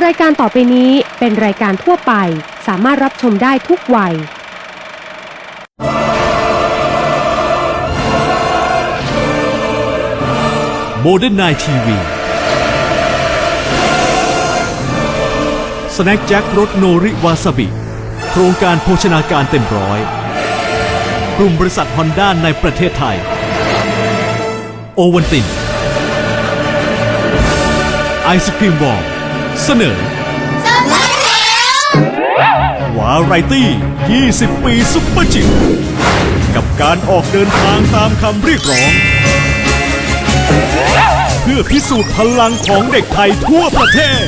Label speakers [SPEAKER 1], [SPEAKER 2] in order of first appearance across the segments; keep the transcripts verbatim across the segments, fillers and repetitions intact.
[SPEAKER 1] รายการต่อไปนี้เป็นรายการทั่วไปสามารถรับชมได้ทุกวัย
[SPEAKER 2] โมเดิร์นไนน์ทีวีสแน็คแจ็ครสโนริวาซาบิโครงการโภชนาการเต็มร้อยกลุ่มบริษัทฮอนด้าในประเทศไทยโอวันตินไอศครีมวอลเสนอวาไรตี้ ยี่สิบ ปีซุปเปอร์จิ๋วกับการออกเดินทางตามคำเรียกร้องเพื่อพิสูจน์พลังของเด็กไทยทั่วประเทศ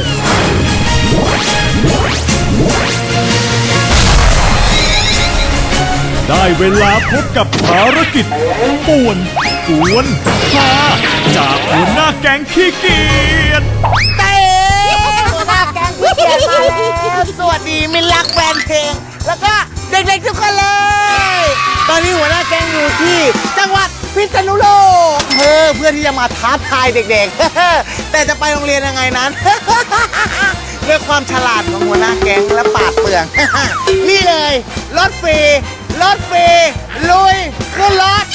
[SPEAKER 2] ได้เวลาพบกับภารกิจป่วนกวนพาจากหัวหน้าแก๊งขี้เกียจ
[SPEAKER 3] เต้หัวหน้าแก๊งขี้เกียจมาแล้วสวัสดีมิตรรักแฟนเพลงแล้วก็เด็กๆทุกคนเลยตอนนี้หัวหน้าแก๊งอยู่ที่จังหวัดพิษณุโลกเออเพื่อที่จะมาท้าทายเด็กๆแต่จะไปโรงเรียนยังไงนั้นด้วยความฉลาดของหัวหน้าแก๊งและปราดเปรื่องนี่เลยรถฟรีรถฟรีลุยขึ้นรถ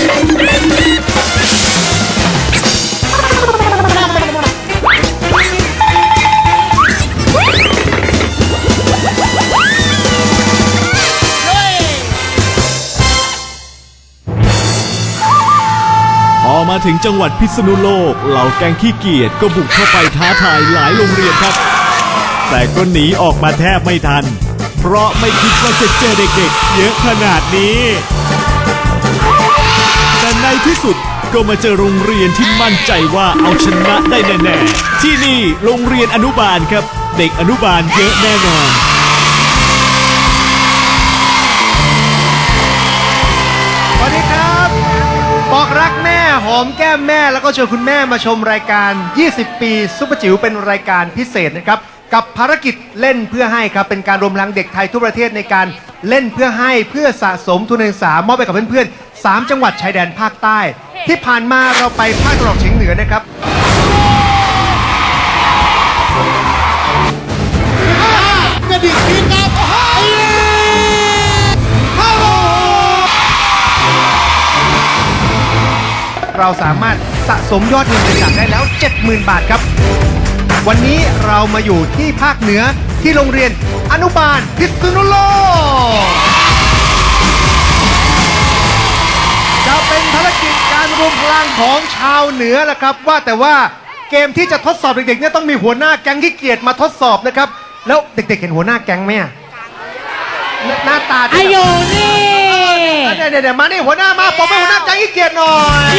[SPEAKER 2] พอมาถึงจังหวัดพิษณุโลกเหล่าแก๊งขี้เกียจก็บุกเข้าไปท้าทายหลายโรงเรียนครับแต่ก็หนีออกมาแทบไม่ทันเพราะไม่คิดว่าจะเจอเด็กๆเยอะขนาดนี้แต่ในที่สุดก็มาเจอโรงเรียนที่มั่นใจว่าเอาชนะได้แน่ๆที่นี่โรงเรียนอนุบาลครับเด็กอนุบาลเยอะแน่นอน
[SPEAKER 4] สวัสดีครับบอกรักแม่หอมแก้มแม่แล้วก็ชวนคุณแม่มาชมรายการยี่สิบปีซุปเปอร์จิ๋วเป็นรายการพิเศษนะครับกับภารกิจเล่นเพื่อให้ครับเป็นการรวมพลังเด็กไทยทั่วประเทศในการเล่นเพื่อให้เพื่อสะสมทุนการศึกษามอบไปกับเพื่อนๆสามจังหวัดชายแดนภาคใต้ที่ผ่านมาเราไปภาคตะวันออกเฉียงเหนือนะครับกระดิ่งพี่ครับเราสามารถสะสมยอดเงินบริจาคได้แล้ว เจ็ดหมื่น บาทครับวันนี้เรามาอยู่ที่ภาคเหนือที่โรงเรียนอนุบาลพิษณุโลกจะเป็นภารกิจการรวมพลังของชาวเหนือแหละครับว่าแต่ว่าเกมที่จะทดสอบเด็กๆเนี่ยต้องมีหัวหน้าแก๊งขี้เกียจมาทดสอบนะครับแล้วเด็กๆเห็นหัวหน้าแก๊งไหมหน้าตาอายุนี่เดี๋ยวเดี๋ยวมานี่หัวหน้ามาผมเป็นหัวหน้าแก๊งขี้เกียจหน่อย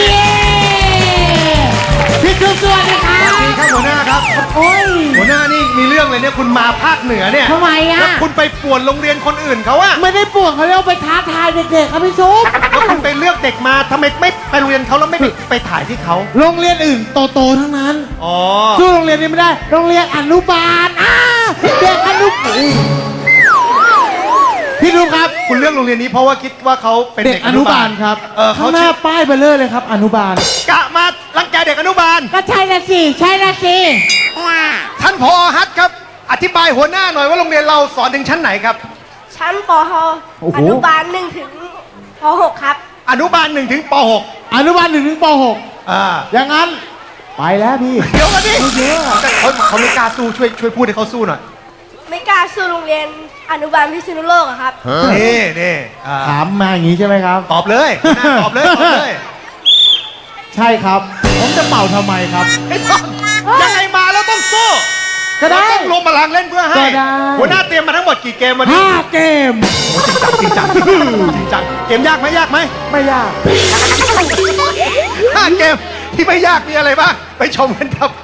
[SPEAKER 4] พี่ทุกสวัสดีครับสวัสดีครับหัวหน้าครับโอ้ยหัวหน้านี่มีเรื่องเลยเนี่ยคุณมาภาคเหนือเนี่ย
[SPEAKER 5] ทำไมอะ
[SPEAKER 4] แล้วคุณไปป่วนโรงเรียนคนอื่นเขาอะ
[SPEAKER 5] ไม่ได้ป่วนเขาเรียกไปท้าทายเด็กๆครับพี่ซุป
[SPEAKER 4] แล้วคุณไปเลือกเด็กมาทำไมไม่ไปโรงเรียนเขาแล้วไม่ไปถ่ายที่เขา
[SPEAKER 5] โรงเรียนอื่นโตๆทั้งนั้น
[SPEAKER 4] อ๋อ
[SPEAKER 5] สู้โรงเรียนนี้ไม่ได้โรงเรียนอนุบาลอ่าเด็กอนุบาลพี่ดูครับ
[SPEAKER 4] คุณเลือกโรงเรียนนี้เพราะว่าคิดว่าเขาเป็นเด็กอนุบาล
[SPEAKER 5] ครับ
[SPEAKER 4] เออ
[SPEAKER 5] เขาหน้าป้ายเบลเลอร์เลยครับอนุบาล
[SPEAKER 4] กะมารังแกเด็กอนุบาล
[SPEAKER 5] ก็ใช่ละสิใช่ละสิ
[SPEAKER 4] ท่านผอ.ฮัทครับอธิบายหัวหน้าหน่อยว่าโรงเรียนเราสอนถึงชั้นไหนครับ
[SPEAKER 6] ชั้นป.หกอนุบาลหนึ่งถึงป.หกครับ
[SPEAKER 4] อนุบาลหนึ่งถึงป.หก
[SPEAKER 5] อนุบาลหนึ่งถึงป.หก
[SPEAKER 4] อ่า
[SPEAKER 5] อย่างนั้นไปแล้วพี่
[SPEAKER 4] เดี๋ยวกันดิเขาเขาไม่กล้าสู้ช่วยช่วยพูดให้เขาสู้หน่อย
[SPEAKER 6] ไม่กล้าสู้โรงเรียนอนุบาลพิษณุโลกครับ
[SPEAKER 4] นี่นี่
[SPEAKER 5] ถามมาอย่างนี้ใช่ไหมครับ
[SPEAKER 4] ตอบเลยตอบเลยตอบเลย
[SPEAKER 5] ใช่ครับผมจะเป่าทำไมครับ
[SPEAKER 4] ไอ้ต้องยังไงมาแล้วต้องสู้
[SPEAKER 5] ก็ได้
[SPEAKER 4] ต้องรวมพลังเล่นเพื่อให้หัวหน้าเตรียมมาทั้งหมดกี่เกมวันนี้
[SPEAKER 5] ห้าเกม
[SPEAKER 4] จริงจังจริงจังเกมยากไหมยากไหม
[SPEAKER 5] ไม่ยาก
[SPEAKER 4] ห้าเกมที่ไม่ยากมีอะไรบ้างไปชมกันครับ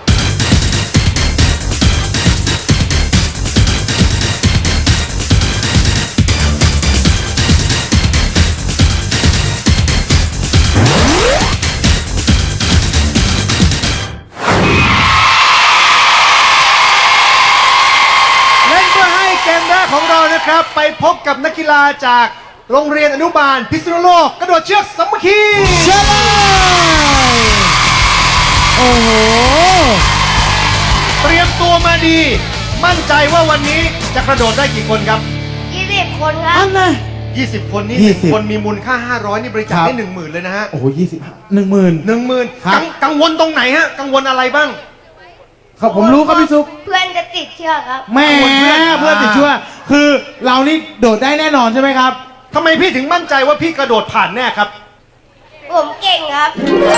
[SPEAKER 4] ของเรานะครับไปพบกับนักกีฬาจากโรงเรียนอนุบาลพิษณุโลกกระโดดเชือกสามัคคี
[SPEAKER 5] เชิญเลยโอ้โห
[SPEAKER 4] เตรียมตัวมาดีมั่นใจว่าวันนี้จะกระโดดได้กี่คนครับ
[SPEAKER 6] ยี่สิบคนครั
[SPEAKER 5] อั
[SPEAKER 6] บ
[SPEAKER 5] นนะ
[SPEAKER 4] ยี่สิบ คนนี่
[SPEAKER 5] ยี่
[SPEAKER 4] หนึ่ง
[SPEAKER 5] สิบ
[SPEAKER 4] คนมีมูลค่าห้าร้อยนี่บริจาค
[SPEAKER 5] ครับ
[SPEAKER 4] ได้หนึ่งหมื่นเลยนะฮะ
[SPEAKER 5] โอ้โหยี่สิบหนึ่งหมื่น
[SPEAKER 4] หนึ่งหมื่น
[SPEAKER 5] ครับ
[SPEAKER 4] กังวลตรงไหนฮะ กังวลอะไรบ้าง
[SPEAKER 5] ครับผมรู้ครับพี่ซุป
[SPEAKER 6] เพื่อนจะติดเชือกครับ
[SPEAKER 5] แหม่
[SPEAKER 4] เพื่อน
[SPEAKER 5] เพื่อนติดเชื้อคือเรานี่โดดได้แน่นอนใช่ไหมครับ
[SPEAKER 4] ทำไมพี่ถึงมั่นใจว่าพี่กระโดดผ่านแน่ครับ
[SPEAKER 6] ผมเก่งครับ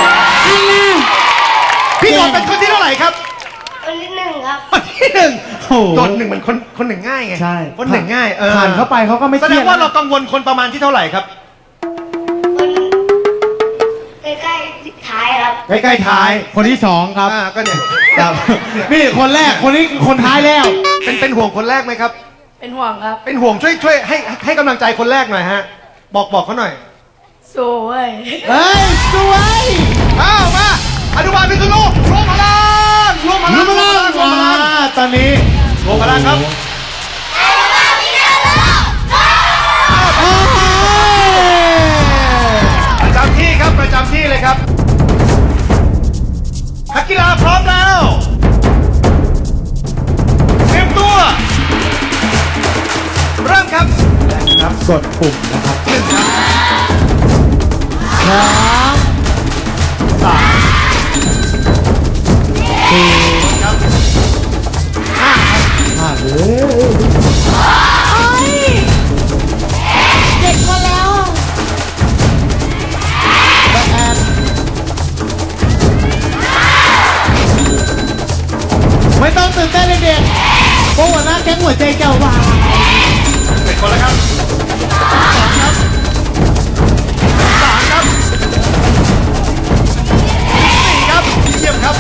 [SPEAKER 4] พี่โดดเป็นคนที่เท่าไหร่ครับ
[SPEAKER 6] คนที่หนึ่งครับ
[SPEAKER 4] คนที่หนึ่ง
[SPEAKER 5] โอ้โห
[SPEAKER 4] โดดหนึ่งเหมือนคนคนหนึ่งง่ายไง
[SPEAKER 5] ใช่
[SPEAKER 4] คนหนึ่งง่ายเออ
[SPEAKER 5] ผ่านเข้าไปเขาก็ไม่
[SPEAKER 4] แส
[SPEAKER 5] เค
[SPEAKER 4] ด
[SPEAKER 5] รี
[SPEAKER 4] ง
[SPEAKER 5] ยด
[SPEAKER 4] ว่าเรากังวลคนประมาณที่เท่าไหร่ครับ
[SPEAKER 6] คนใกล้ๆท้ายครับ
[SPEAKER 4] ใกล้ๆท้าย
[SPEAKER 5] คนที่สองครับ
[SPEAKER 4] อ่าก็เนี่ย
[SPEAKER 5] ครับ นี่คนแรกคนนี้คนท้ายแล้ว
[SPEAKER 4] เป็นเป็นห่วงคนแรกไหมครับ
[SPEAKER 6] เป็นห่วงครับ
[SPEAKER 4] เป็นห่วงช่วยช่วยให้ให้กำลังใจคนแรกหน่อยฮะ บอกบอกเขาหน่อย
[SPEAKER 6] สวย
[SPEAKER 5] เฮ้ย สวย
[SPEAKER 4] อ้าวมาอนุบาลพิษณุรวมพลังรวมพลัง
[SPEAKER 5] รู้ไหมล่ะ
[SPEAKER 4] รวมพลัง
[SPEAKER 5] อ่าตอนนี้
[SPEAKER 4] รวมพลังครับ
[SPEAKER 5] โอ้ย
[SPEAKER 4] ประจำที่ครับประจำที่เลยครับนักกีฬาพร้อมแล้วเตรียมตัว เริ่มครับ
[SPEAKER 5] ครับกดปุ่มนะครับ
[SPEAKER 4] หนึ่งครับ
[SPEAKER 5] สามสามสี่
[SPEAKER 4] ครับห้าครับ
[SPEAKER 5] ห้าเลย
[SPEAKER 6] เด็กมาแล้ว
[SPEAKER 5] แปดไม่ต้องตื่นเต้นเลยเด็กเพราะหัวหน้าแก๊งหัวใจเจ้าวาย
[SPEAKER 4] เป็นคนแล้วครับสองครับสามครับสี่ครับเยี่ยมครับ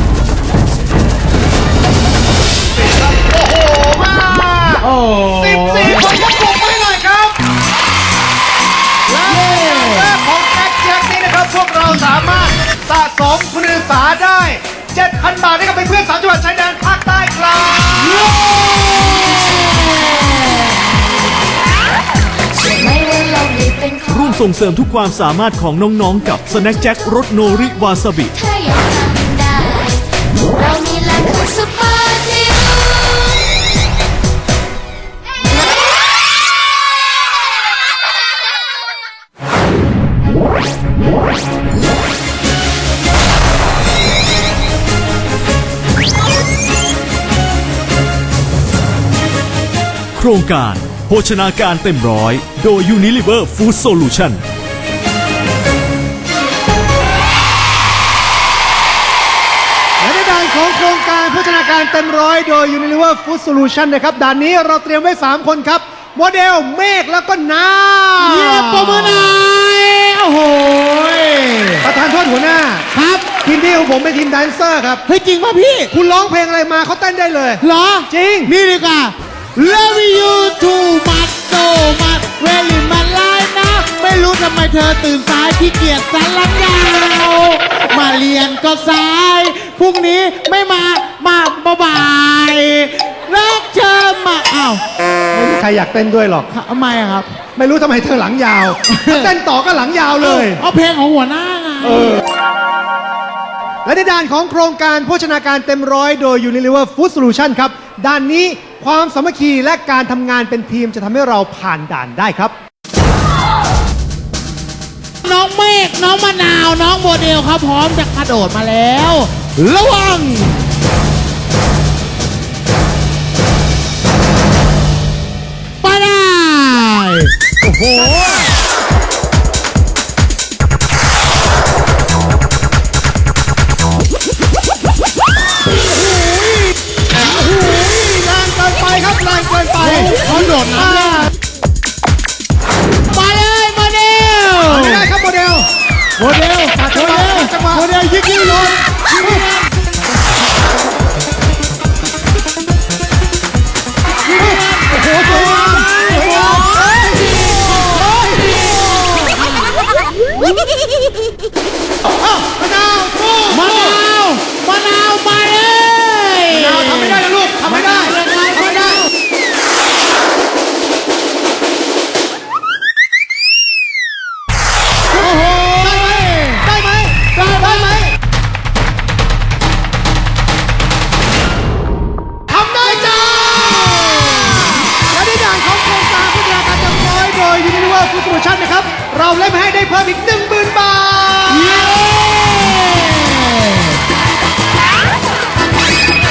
[SPEAKER 4] สี่ครับโอ้โหมา
[SPEAKER 5] โอ้
[SPEAKER 4] สิบสี่คนยกปรบมือหน่อยครับและแรกของแจ็คแจ็คนี้นะครับ พวกเราสามารถสะสมทุนการศึกษาได้ เจ็ดพัน บาทให้กับเพื่อนๆสามจังหวัดชายแดนภาคใต้ครับ
[SPEAKER 2] ร่วมส่งเสริมทุกความสามารถของน้องๆกับสแน็คแจ็ครสโนริวาซาบิ
[SPEAKER 7] ถ้าอยากทำได้ เรานี่แหละคือซุปเปอร์จิ๋ว
[SPEAKER 2] โครงการโภชนาการเต็มร้อย โดย Unilever Food Solution
[SPEAKER 4] และในด่านของโครงการพัฒนาการเต็มร้อยโดย Unilever Food Solution นะครับด่านนี้เราเตรียมไว้ สาม คนครับ โมเดลเมฆแล้วก็น้า
[SPEAKER 5] เยี่ยมประมือหน่อยโอ้โหย
[SPEAKER 4] ประธานโทษหัวหน้า
[SPEAKER 5] ครับ
[SPEAKER 4] ทีมที่ของผมเป็นทีมแดนเซอร์ครับ
[SPEAKER 5] เฮ้ยจริงป่ะพี่
[SPEAKER 4] คุณร้องเพลงอะไรมาเขาเต้นได้เลย
[SPEAKER 5] เหรอ
[SPEAKER 4] จริง
[SPEAKER 5] นี่ดีกว่า Love you too much so much very much right now ไม่รู้ทำไมเธอตื่นสายขี้เกียจสันหลังยาว มาเรียนก็สาย พรุ่งนี้ไม่มา มาบ่ายรักเธอมาอ้าว
[SPEAKER 4] ไม่มีใครอยากเต้นด้วยหรอก
[SPEAKER 5] ทำไมอะครับ
[SPEAKER 4] ไม่รู้ทำไมเธอหลังยาว ถ้าเต้นต่อก็หลังยาวเลย
[SPEAKER 5] เอาเพลงของหัวหน้าไง
[SPEAKER 4] และในด้านของโครงการโภชนาการเต็มร้อยโดย Unilever Food Solution ครับ ด้านนี้ความสามัคคีและการทำงานเป็นทีมจะทำให้เราผ่านด่านได้ครับ
[SPEAKER 5] น้องเมฆน้องมะนาว น้องโมเดลครับพร้อมจะกระโดดมาแล้ว ระวัง ไปได้ โอ้โห
[SPEAKER 4] แรงเกินไปครับแรงเกินไป
[SPEAKER 5] เขาโดดน้ำเนี่ยมาเลยโมเดล
[SPEAKER 4] ไม่ได้ครับโมเดล
[SPEAKER 5] โมเดล
[SPEAKER 4] จัดจังหวะจัดจังหวะ
[SPEAKER 5] โมเดลยิงยิงลงโอ้โหสวยงามสวยงาม
[SPEAKER 4] โปรโมชั่นนะครับ เราเล่นให้ได้เพิ่มอีกหนึ่งหมื่นบาท